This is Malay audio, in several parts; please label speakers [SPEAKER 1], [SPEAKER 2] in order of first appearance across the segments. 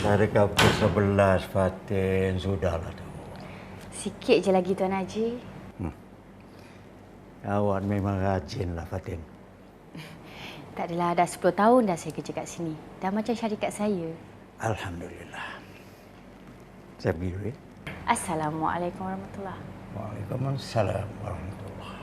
[SPEAKER 1] Tarik ke 11, Fatin. Sudahlah tu.
[SPEAKER 2] Sikit je lagi, Tuan Haji.
[SPEAKER 1] Awak memang rajinlah, Fatin.
[SPEAKER 2] Tak adalah, dah 10 tahun dah saya kerja kat sini. Dah macam syarikat saya.
[SPEAKER 1] Alhamdulillah. Saya pergi dulu, ya?
[SPEAKER 2] Assalamualaikum warahmatullahi.
[SPEAKER 1] Waalaikumsalam warahmatullahi.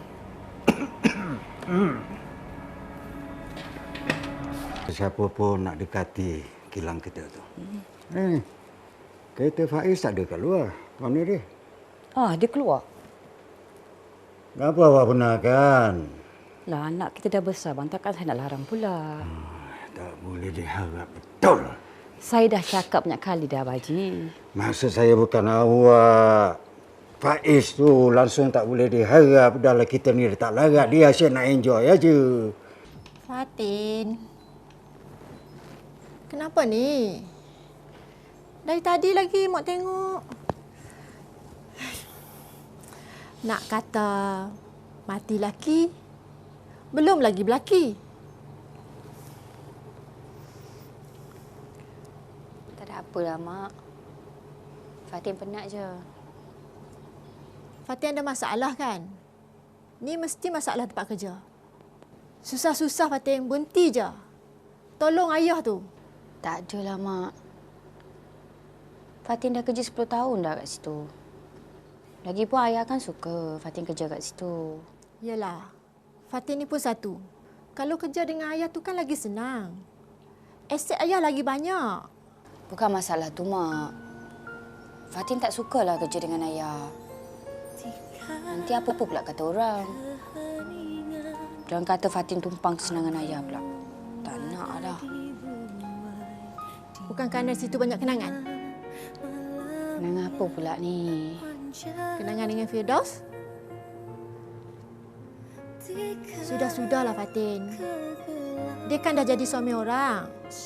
[SPEAKER 1] Siapa pun nak dekati kilang kita tu. Kereta Faiz tak ada kat luar. Mana dia?
[SPEAKER 3] Dia keluar.
[SPEAKER 1] Kenapa awak benarkan?
[SPEAKER 3] Lah, anak kita dah besar, bang. Takkan saya nak larang pula.
[SPEAKER 1] Tak boleh diharap betul.
[SPEAKER 3] Saya dah cakap banyak kali dah, Haji.
[SPEAKER 1] Maksud saya bukan awak. Faiz tu langsung tak boleh diharap. Dahlah kita ni tak larat. Dia asyik nak enjoy aja.
[SPEAKER 4] Fatin. Kenapa ni? Dari tadi lagi mak tengok. Nak kata mati laki, belum lagi berlaki.
[SPEAKER 2] Tak ada apalah, Mak. Fatin penat je.
[SPEAKER 4] Fatin ada masalah kan? Ni mesti masalah tempat kerja. Susah-susah Fatin, berhenti je. Tolong ayah tu.
[SPEAKER 2] Tak adalah, Mak. Fatin dah kerja 10 tahun dah kat situ. Lagipun ayah kan suka Fatin kerja kat situ.
[SPEAKER 4] Yelah, Fatin ni pun satu. Kalau kerja dengan ayah tu kan lagi senang. Aset ayah lagi banyak.
[SPEAKER 2] Bukan masalah tu, Mak. Fatin tak sukalah kerja dengan ayah. Nanti apa pula kata orang. Jangan kata Fatin tumpang kesenangan ayah pula. Tak nak dah.
[SPEAKER 4] Bukan kerana situ banyak kenangan.
[SPEAKER 2] Kenangan apa pula ni?
[SPEAKER 4] Kenangan dengan Firdaus? Sudah-sudahlah Fatin. Dia kan dah jadi suami orang.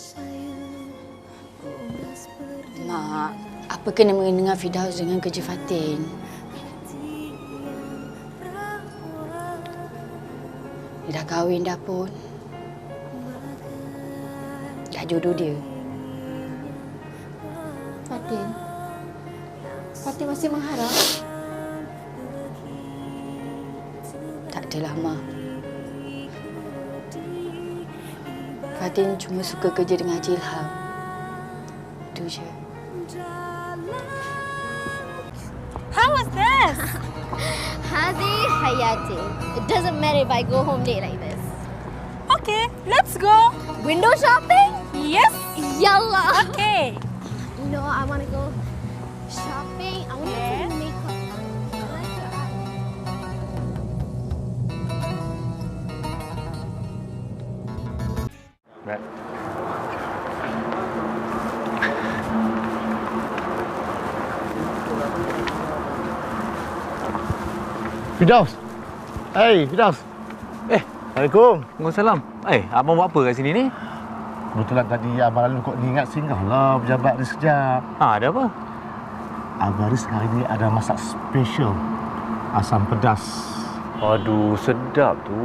[SPEAKER 2] Mak, apa kena dengan Firdaus dengan kerja Fatin? Dia dah kahwin dah pun. Dah jodoh dia.
[SPEAKER 4] Fatin masih mengharap.
[SPEAKER 2] Tak adalah, Mak. Fatin cuma suka kerja dengan Haji Ilham. Itu je.
[SPEAKER 5] How was this?
[SPEAKER 6] Hazi Hayati. It doesn't matter if I go home late like this.
[SPEAKER 5] Okay, let's go.
[SPEAKER 6] Window shopping?
[SPEAKER 5] Yes.
[SPEAKER 6] Yalla.
[SPEAKER 5] Okay.
[SPEAKER 6] No, I want to go shopping. I want to
[SPEAKER 5] Okay.
[SPEAKER 6] do makeup.
[SPEAKER 7] Right.
[SPEAKER 8] Firdaus. Hey, Firdaus. Assalamualaikum.
[SPEAKER 7] Waalaikumsalam. Abang buat apa kat sini ni?
[SPEAKER 8] Kebetulan tadi Abang lalu kok diingat singgahlah pejabat ni sekejap.
[SPEAKER 7] Ada apa?
[SPEAKER 8] Abang Haris hari ni ada masak special. Asam pedas.
[SPEAKER 7] Aduh, sedap tu.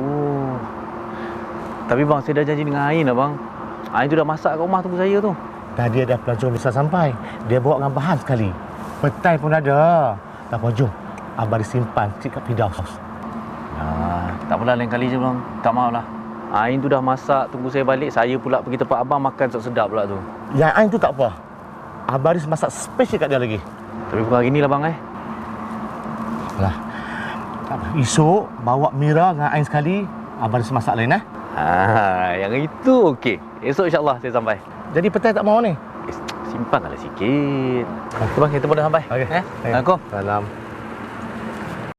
[SPEAKER 7] Tapi bang, saya dah janji dengan Ain lah bang. Ain tu dah masak kat rumah tunggu saya tu.
[SPEAKER 8] Tadi ada pelancong bisa sampai. Dia bawa dengan bahan sekali. Petai pun ada. Tak apa, jom. Abang Haris simpan cik kat Firdaus.
[SPEAKER 7] Tak apalah, lain kali je bang. Tak maaf lah. Ain tu dah masak, tunggu saya balik. Saya pula pergi tempat abang makan sedap pula tu.
[SPEAKER 8] Yang Ain tu tak apa. Abang Haris masak special kat dia lagi.
[SPEAKER 7] Tapi bukan hari ni lah bang
[SPEAKER 8] Alah. Tak apa. Esok bawa Mira dengan Ain sekali. Abang Haris masak lain
[SPEAKER 7] yang itu okey. Esok insyaAllah saya sampai.
[SPEAKER 8] Jadi petai tak mau ni?
[SPEAKER 7] Simpanlah sikit. Okey bang, kita pun dah sampai.
[SPEAKER 8] Okey.
[SPEAKER 7] Assalamualaikum.
[SPEAKER 8] Salam.